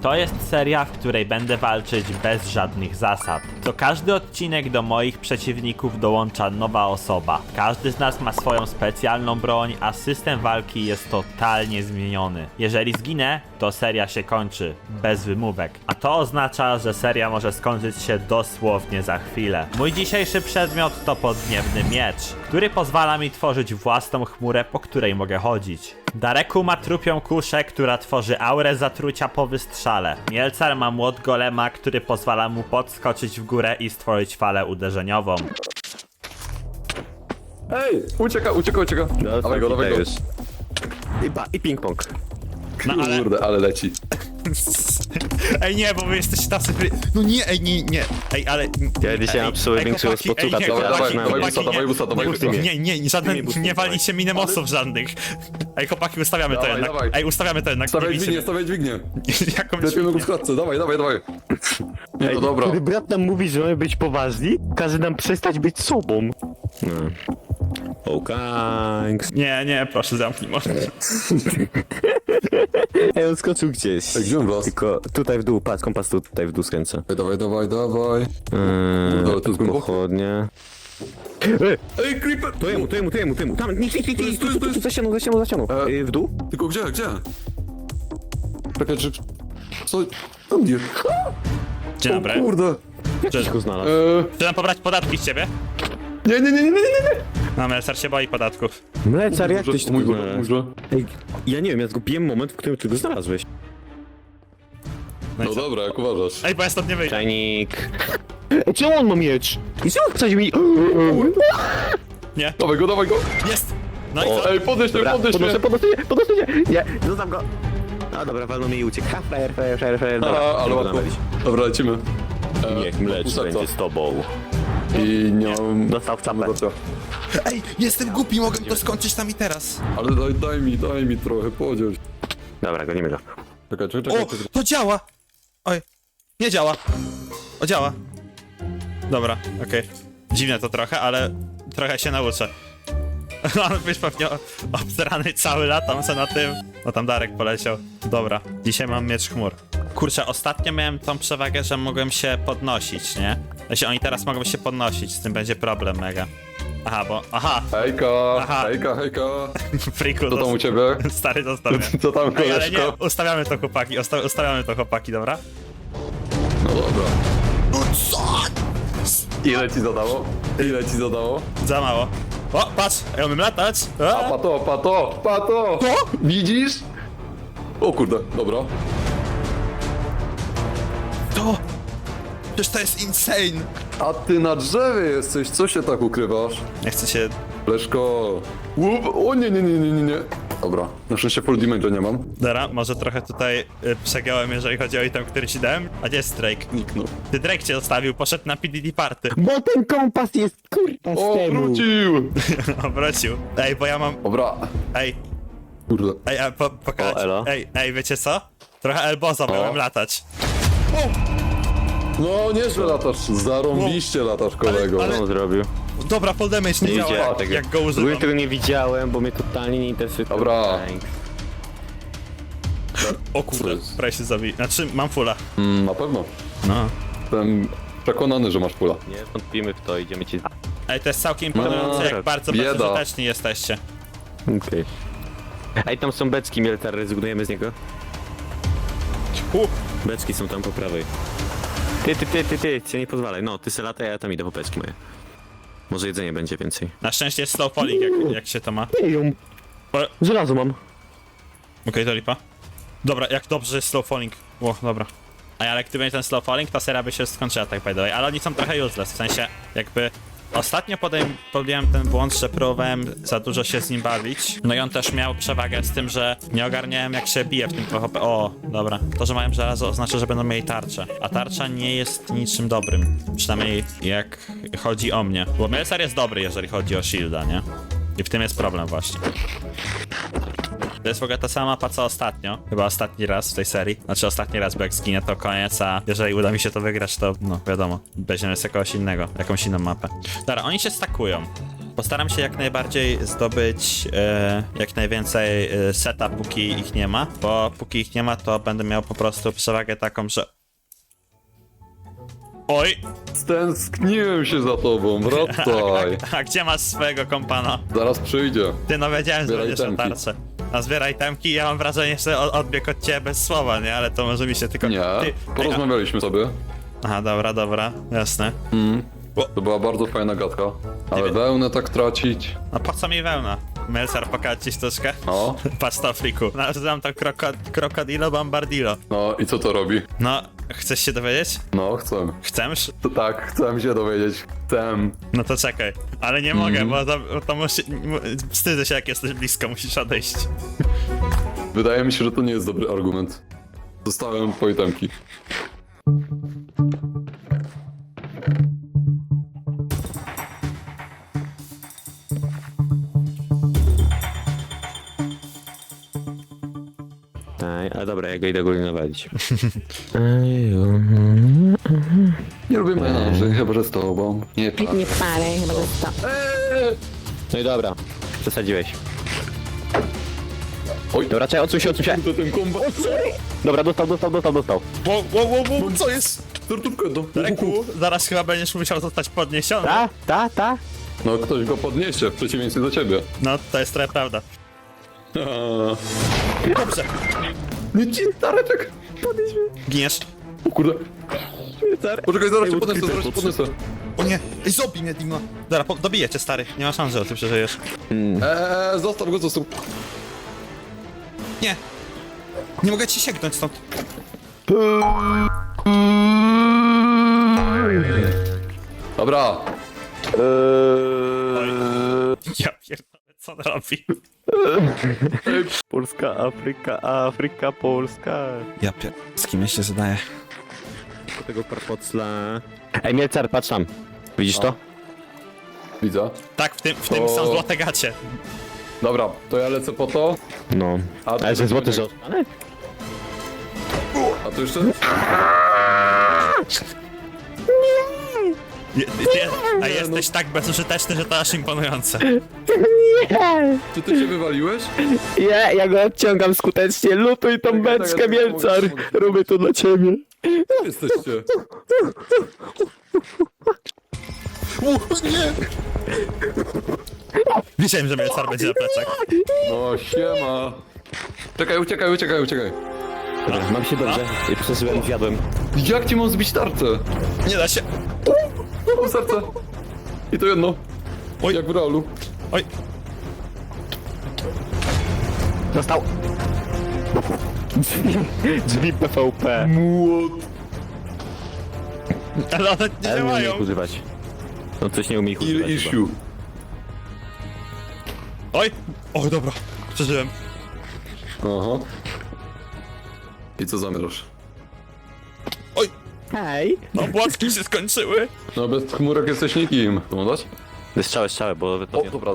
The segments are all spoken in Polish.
To jest seria, w której będę walczyć bez żadnych zasad. Co każdy odcinek do moich przeciwników dołącza nowa osoba. Każdy z nas ma swoją specjalną broń, a system walki jest totalnie zmieniony. Jeżeli zginę, to seria się kończy, bez wymówek. A to oznacza, że seria może skończyć się dosłownie za chwilę. Mój dzisiejszy przedmiot to podniebny miecz, który pozwala mi tworzyć własną chmurę, po której mogę chodzić. Dareku ma trupią kuszę, która tworzy aurę zatrucia po wystrzale. Mielcar ma młot golema, który pozwala mu podskoczyć w górę i stworzyć falę uderzeniową. Ej, ucieka. Dawaj go. już. I ping-pong. No ale... Kurde, ale leci. Ej nie, bo wy jesteście tacy... No nie, ej nie. Ej, ale... Ja dzisiaj mam psuły większość spotuka, nie, to dawaj busa, dawaj busa. Nie, żadne, nie walicie minemosów żadnych. Ej chłopaki, ustawiamy to Dawaj, jednak. dawaj. Ej, ustawiamy to jednak. Stawiaj Nie dźwignię. Jakąś Lepiej go w klatce, dawaj. No dobra. Kiedy brat nam mówi, że mamy być poważni, każe nam przestać być sobą. Nie, proszę zamknij może. Ej, on skoczył gdzieś. Ej, gdzie on wlazł? Tylko tutaj w dół, patrz, kompas tutaj w dół skręcę. Dawaj. Dobra, to jest głęboko. pochodnie. Ej, creeper! To jemu. Tam, nie, Tu, za ścianą. W dół? Tylko gdzie? Czekaj, czy... Co? Tam gdzie? Dzień dobry. Kurde. Gdzieś go znalazł. Chcę nam pobrać podatki z ciebie? Nie. No, Melcar się boi podatków. Mlecar, jak tyś tu Mój znalazł? Boże. Ej, ja nie wiem, ja zgubiłem moment, w którym ty go znalazłeś. No i No co? dobra, jak uważasz. Ej, bo ja stąd nie wyjdę. Czajnik. Ej, czemu on ma miecz? I czemu wsadził mi... Nie, Dawaj go. jest! No i co? Ej, podnieś mnie. Podnoszę się! Nie, zostaw go! A dobra, walno mi i uciekł. Ha, frajer. Dobra, Ale nie łatwo. będę mylić. Dobra, lecimy. Niech mlecz Pusa, będzie co? z tobą. I nie mam... Dostał w czapę. Ej, jestem głupi, mogę to skończyć tam i teraz. Ale daj mi trochę podział. Dobra, gonimy go. Czekaj. O, to działa! Oj, nie działa. O, działa. Dobra, okej. Dziwne to trochę, ale trochę się nauczę. On być pewnie obsrany cały latam se na tym. No tam Darek poleciał. Dobra, dzisiaj mam miecz chmur. Kurczę, ostatnio miałem tą przewagę, że mogłem się podnosić, nie? Jeśli oni teraz mogą się podnosić, z tym będzie problem mega. Aha, Hejka. friku, Co tam u ciebie? stary zostaw mnie. Co tam, Ej, ale nie, koleżko? ustawiamy to chłopaki, dobra? No dobra. No co? Ile ci zadało? Za mało. O, patrz, ja umiem latać. A, pato! To? Widzisz? O kurde, dobra. To! Przecież to jest insane! A ty na drzewie jesteś, co się tak ukrywasz? Nie chcę się... Leszko. Łup. O nie. Dobra, na szczęście full damage nie mam. Dobra, może trochę tutaj przegiąłem, jeżeli chodzi o item, który ci dałem. A gdzie jest Drake? Niknął. Ty Drake cię zostawił, poszedł na PDD party. Bo ten kompas jest kurwa z O, temu. wrócił! Wrócił. Ej, bo ja mam... Dobra. Ej, Kurde. a pokaż. O, elo. Ej, wiecie co? Trochę elbozo miałem latać. No, nieźle latasz. Zarąbiście latasz, kolego. ale- Co on zrobił? Dobra, full damage nie Nie działa, widziałem jak, tego. jak go Byłem używam. tego nie widziałem, bo mnie totalnie nie interesuje. Dobra. O kurde, prawie się zabij. Znaczy, mam fulla. Na pewno. No. Jestem przekonany, że masz pula. Nie wątpimy w to, idziemy ci... Ej, to jest całkiem imponujące, jak bardzo bieda. bezużyteczni jesteście. Okej. Ej, tam są beczki, Mieltar, rezygnujemy z niego? Beczki są tam po prawej. Ty, cię nie pozwalaj. No, ty se lataj, a ja tam idę po beczki moje. Może jedzenie będzie więcej. Na szczęście jest slow falling, jak się to ma. Ej, żelazo mam. Okej, to lipa. Dobra, jak dobrze że jest slow falling. O, dobra. A jak gdyby nie ten slow falling, ta seria by się skończyła tak by the way. Ale oni są trochę useless, w sensie jakby... Ostatnio podjąłem ten błąd, że próbowałem za dużo się z nim bawić. No i on też miał przewagę z tym, że nie ogarniałem jak się bije w tym PvP. O, dobra. To, że mają żelazo oznacza, że będą mieli tarczę. A tarcza nie jest niczym dobrym. Przynajmniej jak chodzi o mnie. Bo Melcar jest dobry, jeżeli chodzi o shielda, nie? I w tym jest problem właśnie. To jest w ogóle ta sama mapa co ostatnio. Chyba ostatni raz w tej serii. Znaczy ostatni raz, bo jak zginę to koniec, a jeżeli uda mi się to wygrać, to no wiadomo, weźmiemy z jakiegoś innego, jakąś inną mapę. Dobra, oni się stakują. Postaram się jak najbardziej zdobyć jak najwięcej seta, póki ich nie ma, bo póki ich nie ma, to będę miał po prostu przewagę taką, że... Oj! Stęskniłem się za tobą, wracaj. A gdzie masz swojego kompana? Zaraz przyjdzie. Ty no wiedziałem, że Zbieraj będziesz na itemki. tarczę. A zbieraj temki, ja mam wrażenie, że odbiegł od ciebie bez słowa, nie? Ale to może mi się tylko... Nie, Ty... porozmawialiśmy sobie. Aha, dobra, jasne. To była bardzo fajna gadka. Ale wełnę tak tracić. No po co mi wełna? Melcar, pokaż ci sztuczkę? No, Patrz to, friku. Nazywam to Krokodilo Bombardilo. no i co to robi? No, chcesz się dowiedzieć? No, chcę. Chcesz? To tak, chcę się dowiedzieć. Chcę. No to czekaj. Ale nie mogę, bo to wstydzę się, jak jesteś blisko, musisz odejść. Wydaje mi się, że to nie jest dobry argument. Zostałem twoje temki. Ale dobra, ja go idę góry nawalić. Nie lubię menaży, chyba że z tobą. Nie pa. Nie palę, chyba to jest to. No i dobra, przesadziłeś. Oj, Dobra, czekaj, odsuń się. to ten kombat. Dobra, dostał. Wow, co jest? Tortówkę do... Reku, zaraz chyba będziesz musiał zostać podniesiony. Ta. No, ktoś go podniesie, w przeciwieństwie do ciebie. No, to jest trochę prawda. Dobrze. Nie ci, Dareczek! Giniesz. O kurde. Poczekaj, zaraz cię podniosę, O nie, ej, zobij mnie, Dima. Dobra, dobiję cię, stary. Nie ma szans, że ty przeżyjesz. Zostaw go, zostaw. Nie. Nie mogę ci sięgnąć stąd. Dobra. Ja pierdolę, co on robi? Polska, Afryka, Polska. Ja z kim ja się zadaję? Do tego parpocla. Ej, Mielcar, patrz tam. Widzisz to? Widzę. Tak, w tym To- są złote gacie. Dobra, to ja lecę po to. No. A ty- Ale że złoty, że... A to jeszcze? A jesteś tak bezużyteczny, że to aż imponujące. Czy ty się wywaliłeś? Ja go odciągam skutecznie. Lutuj tą beczkę, Mielcar. Robię to dla ciebie. Gdzie jesteście? Wiedziałem, że Mielcar będzie na plecach. No, siema. Czekaj, uciekaj. Dobra, mam się dobrze. I przeżyłem, zjadłem. Jak ci mam zbić tarczę? Nie da się. O, serce. I to jedno. Oj. Jak w realu. Oj, Dostał. Drzwi PvP. Młot. ale one nie Ale nie umie działają. ich używać. No coś nie umie ich Ile używać chyba. issue. Oj, o dobra, przeżyłem. Aha. I co zamierzasz? Oj, Hej. no płatki się skończyły. No bez chmurek jesteś nikim. To mu dać? Strzałę, bo... O, dobra.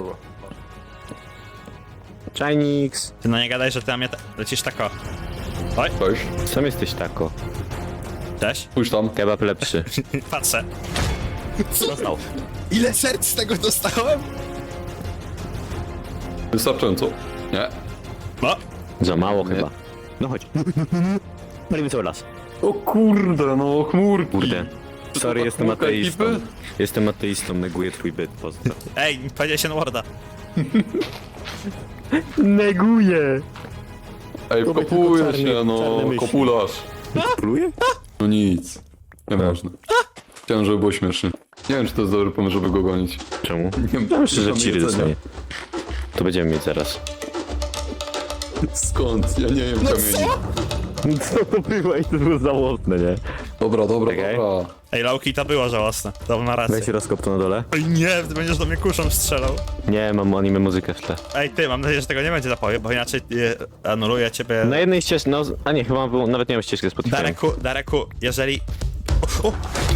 Chinix. Ty no nie gadaj, że ty na mnie lecisz tako. Oj, Weź. Sam jesteś tako. cześć. Spójrz tam. Kebab lepszy. Patrzę. Dostał. Ile serc z tego dostałem? Wystarczająco. Nie. No, Za mało chyba. No chodź. Palimy cały las. O kurde, no chmurki. Kurde. Sorry, jestem chmurka ateistą. ekipy? Jestem ateistą, neguję twój byt, pozdro. ej, powiedziałeś się Warda. Neguję! Ej, To kopuje tylko czarny- się, no, czarne myśli. kopularz. Pluje? No nic. Nieważne. Chciałem, żeby było śmiesznie. Nie wiem, czy to jest dobry pomysł, żeby go gonić. Czemu? Nie Ja myślę, że mam ciry jedzenia. dostanie. To będziemy mieć zaraz. Skąd? Ja nie wiem kamieni. Co to było? I to było żałosne, nie? Dobra, Czekaj. dobra. Ej, Lauki, to było żałosne. To ma rację. Weź rozkop to na dole. Ej, nie, ty będziesz do mnie kuszą strzelał. Nie, mam anime muzykę w tle. Ej, ty, mam nadzieję, że tego nie będzie zapowie, bo inaczej anuluję ciebie. Na jednej ścieżce, no... A nie, chyba było, nawet nie mam ścieżki Spotify. Dareku, jeżeli... O!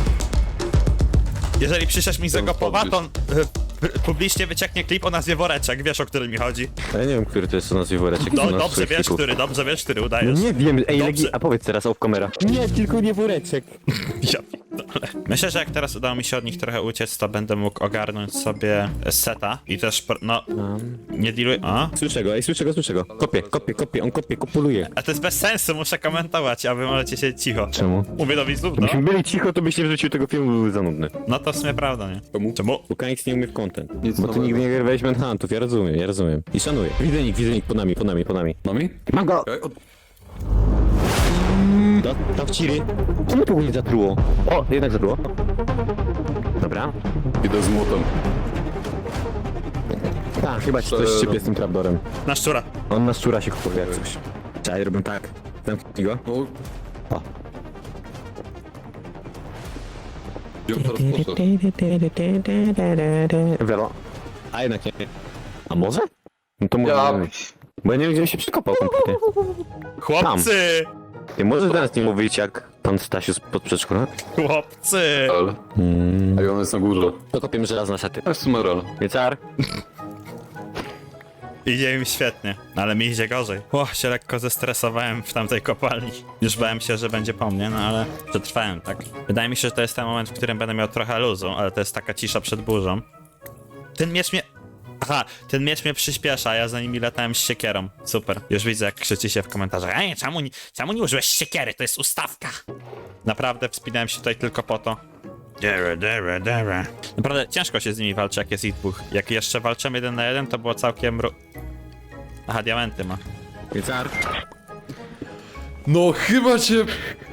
Jeżeli przyszesz mi z tego powa, to publicznie wycieknie klip o nazwie Woreczek, wiesz, o który mi chodzi. A ja nie wiem, który to jest o nazwie woreczek. No, to na dobrze swoich wiesz, klików. dobrze wiesz, który udajesz. Nie wiem, ej, Dobrze. Legi, a powiedz teraz off camera. Nie, tylko nie woreczek. Ja pierdolę. ogóle. Myślę, że jak teraz udało mi się od nich trochę uciec, to będę mógł ogarnąć sobie seta i też, no, nie dealuj... A? Słyszę go, słyszę go. Kopię, on kopuluje. A to jest bez sensu, muszę komentować, a wy możecie siedzieć cicho. Czemu? Mówię do widzów, no. Gdybyśmy byli cicho, to byś nie wrzucił tego filmu, byłby za nudny. No to w sumie prawda, nie? Czemu? Czemu? Bo Kanix nie umie w content. Nic Bo ty nowego. nigdy nie grywałeś Manhuntów, ja rozumiem. I szanuję. Widzę nick, po nami. Nami? Mam go! Okej, Tam w ciry. Czemu to nie zatruło? O, jednak zatruło. Dobra. Idę z młotem. Tak, chyba ci coś szczypie z tym trapdorem. Na szczura. On na szczura się kupuje jak coś. Czekaj, robię tak. Zamknij go. O, O. gdzie on teraz poszedł? Wero. A jednak nie. A może? No to może. Ja- Bo ja nie wiem, gdzie on się przekopał kompletnie. Chłopcy! Nie możesz teraz nie mówić jak pan Stasiu spod przedszkola? Chłopcy! Ale. A i on jest na górze. To kopiemy żelazne sety. To jest sumerel. Wiecar. Idzie im świetnie, ale mi idzie gorzej. Się lekko zestresowałem w tamtej kopalni. Już bałem się, że będzie po mnie, no ale przetrwałem, tak? Wydaje mi się, że to jest ten moment, w którym będę miał trochę luzu, ale to jest taka cisza przed burzą. Ten miecz mnie... Aha, ten miecz mnie przyspiesza, a ja za nimi latałem z siekierą. Super. Już widzę, jak krzyczycie w komentarzach. Ej, czemu nie użyłeś siekiery? To jest ustawka. Naprawdę wspinałem się tutaj tylko po to. Dere. Naprawdę ciężko się z nimi walczy, jak jest ich dwóch. Jak jeszcze walczymy 1 na 1, to było całkiem... Aha, diamenty ma. Wiecar. No chyba cię...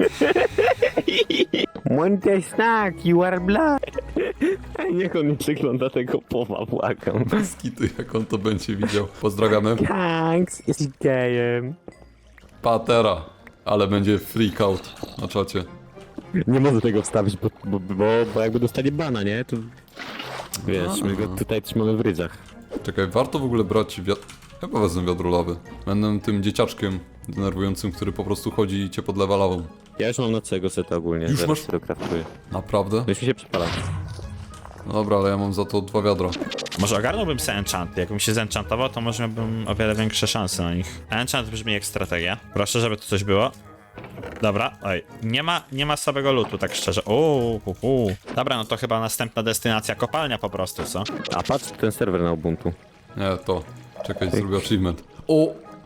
Monte snack, you are black. Niech on nie przegląda tego powa, błagam. Skity, jak on to będzie widział. Pozdrawiamy. Thanks, jesteś gejem. Patera. Ale będzie freak out na czacie. Nie mogę tego wstawić, bo jakby dostanie bana, nie? To... Wiesz, my go tutaj trzymamy w rydzach. Czekaj, warto w ogóle brać wiatr... Chyba wezmę wiadro lawy. Będę tym dzieciaczkiem denerwującym, który po prostu chodzi i cię podlewa lawą. Ja już mam na całego seta ogólnie, Już zaraz masz? to kraftuję. Naprawdę? Już mi się przypala. No dobra, ale ja mam za to 2 wiadra. Może ogarnąłbym sobie enchanty. Jakbym się zenchantował, to może miałbym o wiele większe szanse na nich. Enchant brzmi jak strategia. Proszę, żeby tu coś było. Dobra, oj. Nie ma słabego lootu, tak szczerze. Dobra, no to chyba następna destynacja kopalnia po prostu, co? A patrz ten serwer na Ubuntu. Nie, to. Czekaj, zrobię achievement. O!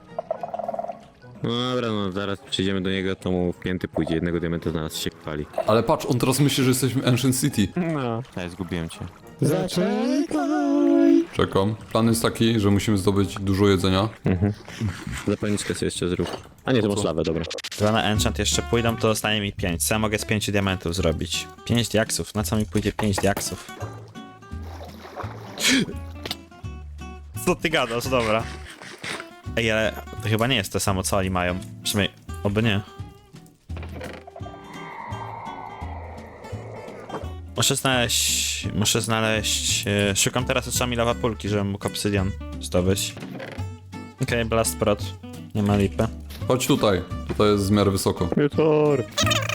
No dobra, no zaraz przyjdziemy do niego, to mu w pięty pójdzie, jednego diamenta znalazł się chwali. Ale patrz, on teraz myśli, że jesteśmy Ancient City. No. Ja zgubiłem cię. Czekam. Plan jest taki, że musimy zdobyć dużo jedzenia. Zapalniczkę sobie jeszcze zrób. A nie, to masz lawę, dobra. Dwa na enchant jeszcze pójdą, to zostanie mi 5. Co ja mogę z 5 diamentów zrobić? 5 diaksów. Na co mi pójdzie 5 diaksów? Co ty gadasz? Dobra. Ej, ale to chyba nie jest to samo, co oni mają. Przynajmniej, oby nie. Muszę znaleźć... Szukam teraz oczami lawapulki, żebym mógł obsydian zdobyć. Okej, blast prot. Nie ma lipy. Chodź tutaj. Tutaj jest w miarę wysoko. Wieczór.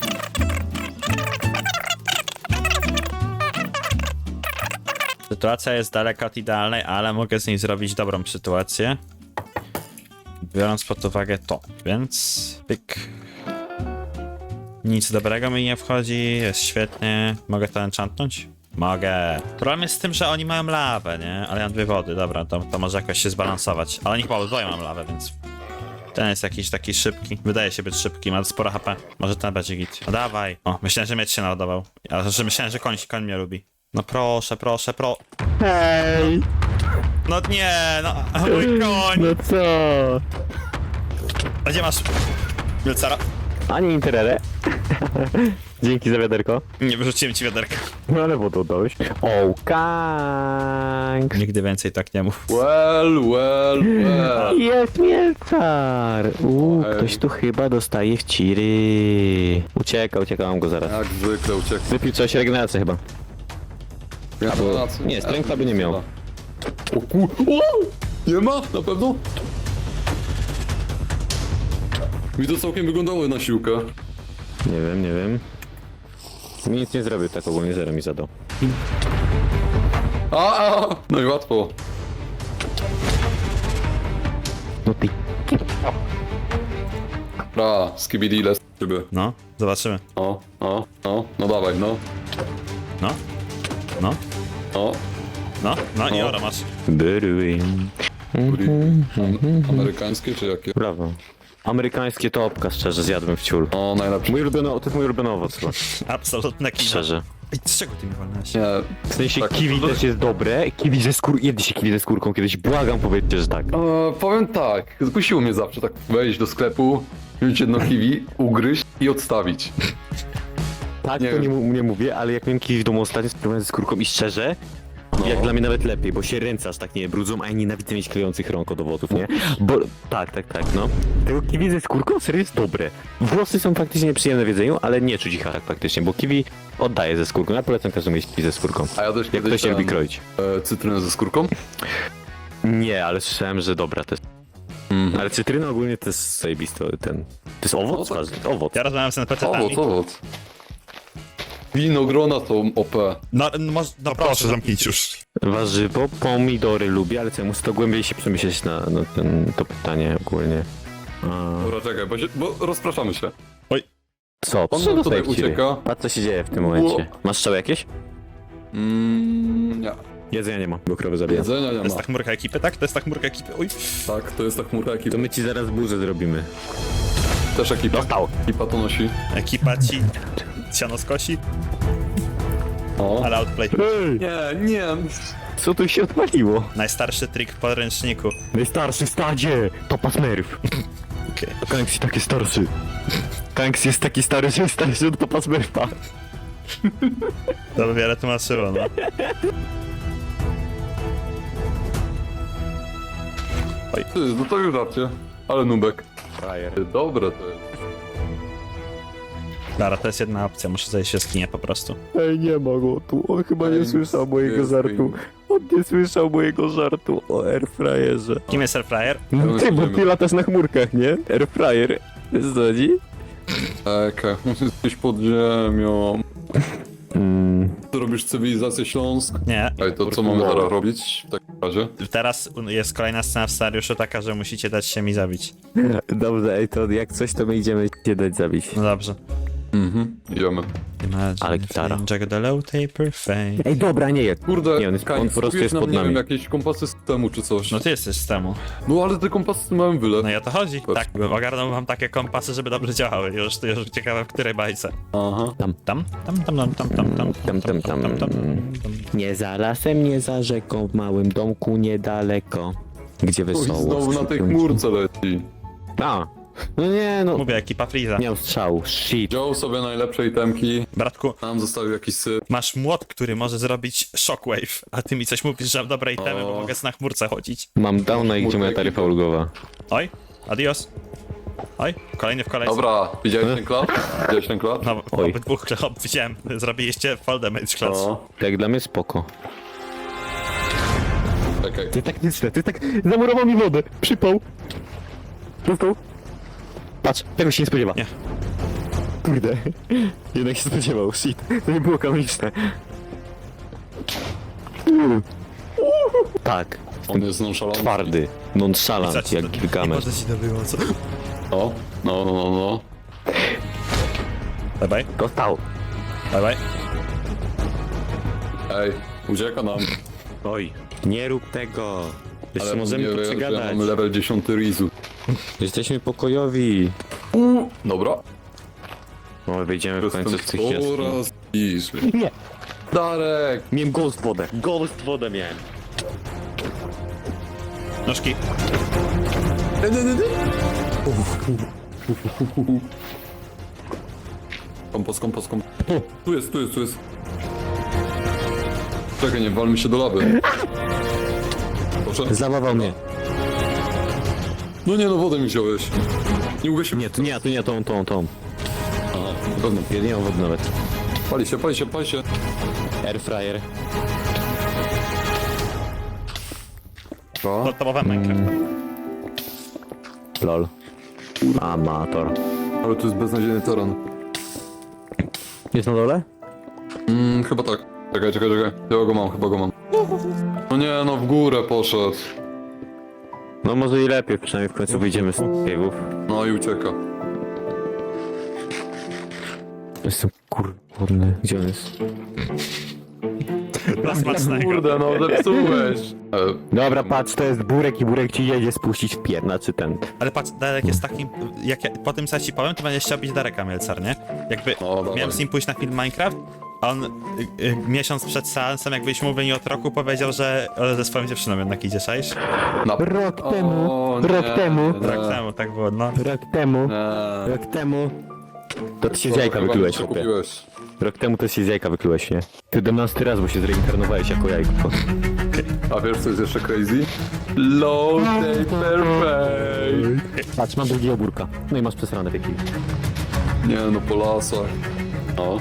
Sytuacja jest daleka od idealnej, ale mogę z niej zrobić dobrą sytuację. Biorąc pod uwagę to, więc... Pyk. Nic dobrego mi nie wchodzi, jest świetnie. Mogę to enchantnąć? Mogę. Problem jest z tym, że oni mają lawę, nie? Ale ja mam 2 wody, dobra, to może jakoś się zbalansować. Ale oni chyba obydwoje mam lawę, więc... Ten jest jakiś taki szybki. Wydaje się być szybki, ma sporo HP. Może ten będzie git. A dawaj. O, myślałem, że miecz się naładował. Ale że myślałem, że koń mnie lubi. No proszę. Hej! No nie, no mój koń. No co? A gdzie masz? Wilcara? A nie interere? Dzięki za wiaderko. Nie wyrzuciłem ci wiaderka. No ale wodę oddałeś. O, kanks. Nigdy więcej tak nie mów. Well. Jest Mielcar! Ej. Ktoś tu chyba dostaje w ciry. Uciekam go zaraz. Jak zwykle uciekł. Wypił coś, regenerację chyba. Albo... Nie, strengtha by nie miał. O kur... O! Nie ma? Na pewno? Mi to całkiem wyglądało na siłkę. Nie wiem. Mi nic nie zrobił, tak ogólnie zero mi zadał. No i łatwo. No ty. Skibidi les. Ciebie. No, zobaczymy. No dawaj, no. No, no, O, no i ora masz. Byruim. amerykańskie czy jakie? Brawo. Amerykańskie topka, szczerze, zjadłem w ciul. O, najlepsze. To jest mój ulubiony owoc chyba. Absolutne kino. Szczerze. Ej, z czego ty mi wolnałeś? Nie, W sensie Tak, kiwi to- też jest dobre. Kiwi ze skórką. Jedliście kiwi ze skórką kiedyś, błagam, powiedzcie, że tak. powiem tak, zkusiło mnie zawsze tak wejść do sklepu, wziąć jedno kiwi, ugryźć i odstawić. Tak, Nie to wiem. nie mówię, ale jak miałem kiwi w domu ostatnio, spróbowałem ze skórką i szczerze, jak dla mnie nawet lepiej, bo się ręce aż tak nie brudzą, a ja nienawidzę mieć klejących rąk od owoców, nie? Bo tak, no. Tego kiwi ze skórką serio jest dobre. Włosy są faktycznie nieprzyjemne w jedzeniu, ale nie czuć ich charak faktycznie, bo kiwi oddaje ze skórką. Ja polecam każdemu jeść kiwi ze skórką. A ja też Jak kiedyś ktoś nie lubi ten, kroić. cytrynę ze skórką. Nie, ale słyszałem, że dobra to jest. Mhm. Ale cytryna ogólnie to jest zajebisty ten. To jest owoc? No tak. Owoc. Ja rozmawiam z NPC-tami. Owoc. Winogrona są OP. No, no proszę, zamknijcie już. Warzywo, pomidory lubię, ale co, ja muszę to głębiej się przemyśleć na to pytanie ogólnie. Dobra, czekaj, bo rozpraszamy się. Co? On Co nam tutaj dostajecie? ucieka. Patrz co się dzieje w tym momencie. Masz strzały jakieś? Nie. Jedzenia nie ma, bo krowy zabijam. Jedzenia nie To jest ma. ta chmurka ekipy, tak? To jest ta chmurka ekipy. Uj. Tak, to jest ta chmurka ekipa. To my ci zaraz burzę zrobimy. Też ekipa. Dostał. Ekipa to nosi. Ekipa ci siano skosi, O. ale outplay. Nie. Co tu się odpaliło? Najstarszy trik w podręczniku. Najstarszy w stadzie! Topa Smurf. Okej. Kanks jest taki starszy. Kanks jest taki stary, że jest starszy od Topa Smurfa. To by wiele tłumaczyło, no. Ty, no to już żarcie. Ale nubek. Frajer. Dobre to jest. Dobra, to jest jedna opcja, muszę zejść się skinie po prostu. Ej, nie ma go tu. On chyba nie słyszał mojego żartu. On nie słyszał mojego żartu o airfryerze. Kim jest Airfryer? No ty, bo ty latasz na chmurkach, nie? Airfryer. Zgodzi? Okej, jesteś pod ziemią. Ty robisz cywilizację Śląsk. Nie. Ej, to co mamy teraz robić w takim razie? Teraz jest kolejna scena w scenariuszu taka, że musicie dać się mi zabić. Dobrze, ej, to jak coś, to my idziemy cię dać zabić. No dobrze. Idziemy. Imagine Ale gitara. Jack the low taper fame. Ej, dobra, nie jest. Kurde, Nie, on po prostu kupiłeś jest nam, pod nie nami. wiem, jakieś kompasy systemu czy coś. No ty jesteś z temu. No ale te kompasy mają wyle. No i o to chodzi. Patrz. Tak, bym ogarnął wam takie kompasy, żeby dobrze działały. Już ciekawe w której bajce. Aha. Tam? Nie za lasem, nie za rzeką, w małym domku niedaleko. Gdzie Oj, wesoło. znowu na tej chmurce leci. A, no nie, no. Mówię, ekipa Freeza. Nie mam strzału, shit. Wziął sobie najlepsze itemki. Bratku, Nam zostawił jakiś syp. masz młot, który może zrobić shockwave, a ty mi coś mówisz, że mam dobre itemy, bo O. mogę na chmurce chodzić. Mam downa i gdzie moja Chmurka taryfa ekipa. ulgowa. Oj, adios. Oj, kolejny w kolejce. Dobra, widziałeś ten klap? Widziałeś ten klap? No, Oj. obydwóch widziałem, zrobiliście fall damage class. No. Tak dla mnie spoko. Czekaj. To taktyczne, to tak zamurował mi wodę. Przypał. Dostał. Patrz, tego się nie spodziewa. Nie. Kurde. Jednak się spodziewał, shit. To nie było kanoniczne. Tak. On jest nonchalant. Twardy. Nonchalant, jak Gilgamesh. ci to było, co? O, no. Bye bye, Dostał. bye bye. Ej, ucieka nam. Oj. Nie rób tego. Jeszcze Ale możemy nie tu wie, że przegadać. mamy level 10 Rizu. Jesteśmy pokojowi. Dobra. No, wyjdziemy w końcu z tych jaskiń. coraz bliżej. Nie. Darek! Miałem ghost wodę. Ghost wodę miałem. Nóżki. Kompas. Tu jest. Czekaj, nie walmy się do lawy. Proszę. Zabawał mnie. No nie, no wodę mi wziąłeś. Nie mogę się... Nie, tu nie, tą. Aha, na pewno. Ja nie mam wody nawet. Pali się. Airfryer. Podstawowe Minecraft. Lol. Amator. Ale tu jest beznadziejny teren. Jest na dole? Chyba tak. Czekaj. Ja go mam, chyba go mam. No nie, no w górę poszedł. No może i lepiej, przynajmniej w końcu wyjdziemy z cave'ów. No i ucieka. Jestem kurny. Gdzie on jest? Dla smacznego. Kurde, no zepsułeś. Dobra, patrz, to jest burek i burek ci jedzie spuścić w pierna, czy ten. Ale patrz, Darek jest takim, jak ja, po tym co ja ci powiem, to będziesz chciał być Dareka Mielcar, nie? Jakby No, dawaj. miałem z nim pójść na film Minecraft, a on miesiąc przed seansem, jak byliśmy mówili od roku, powiedział, że ze swoją dziewczyną jednak idzie, czaisz? Rok O, temu, nie, rok temu, nie. Rok temu, tak było, no. rok temu, Nie. rok temu. To ty się z Co, jajka chyba wyklułeś, mi się chłopie. kupiłeś. Rok temu to się z jajka wyklułeś, nie? Ty 11 raz, bo się zreinkarnowałeś jako jajko. A wiesz co jest jeszcze crazy? Low day perfect. Patrz, mam drugiego burka. No i masz przesrane wieki. Nie no, po lasach. No.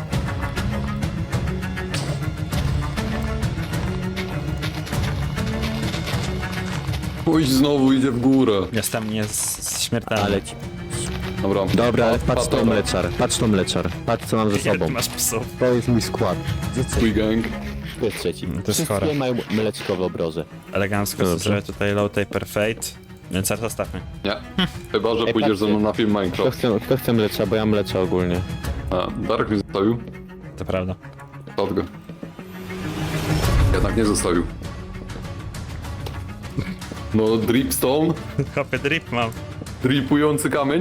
Pójdź znowu, idzie w górę. Jestem śmiertelny. Ale ci... Dobra. Dobra, ale Pat- patrz to dobra. mleczar, patrz to mleczar. Patrz co mam ze Ile sobą. ty masz psów? To jest mój skład. Gdzie trzeci? Twój gang. To jest trzeci. jest Wszystkie chore. mają mleczko w obroże. Elegancko Dobrze. sobie tutaj low taper fate. Więc zaraz zostawmy. Nie. Chyba, że Ej, pójdziesz ze mną na film Minecraft. Kto chce mlecza, bo ja mleczę ogólnie. A, Darek mnie zostawił. To prawda. Stąd go. Jednak nie zostawił. No, dripstone. Hopy drip mam. Dripujący kamień.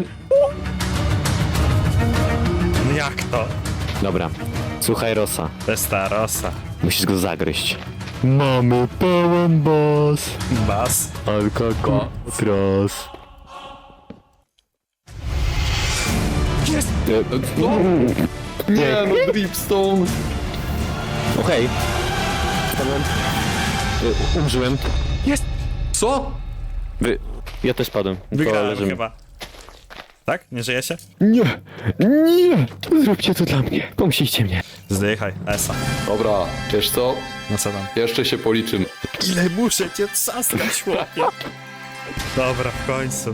No jak to? Dobra. Słuchaj Rosa, To jest ta rosa. musisz go zagryźć. Mamy pełen boss. Bas. Alcatraz. Jest! No. Nie no, dripstone. Okej. Spadłem. Umrzyłem. Jest! Co? Ja też padłem. To Wygrałem leżymy. chyba. Tak? Nie żyje się? Nie! Nie! Zróbcie to dla mnie. Pomścicie mnie. Zdychaj, Esa. Dobra, wiesz co? No co tam? Jeszcze się policzymy. Ile muszę cię trzaskać, chłopie? Dobra, w końcu.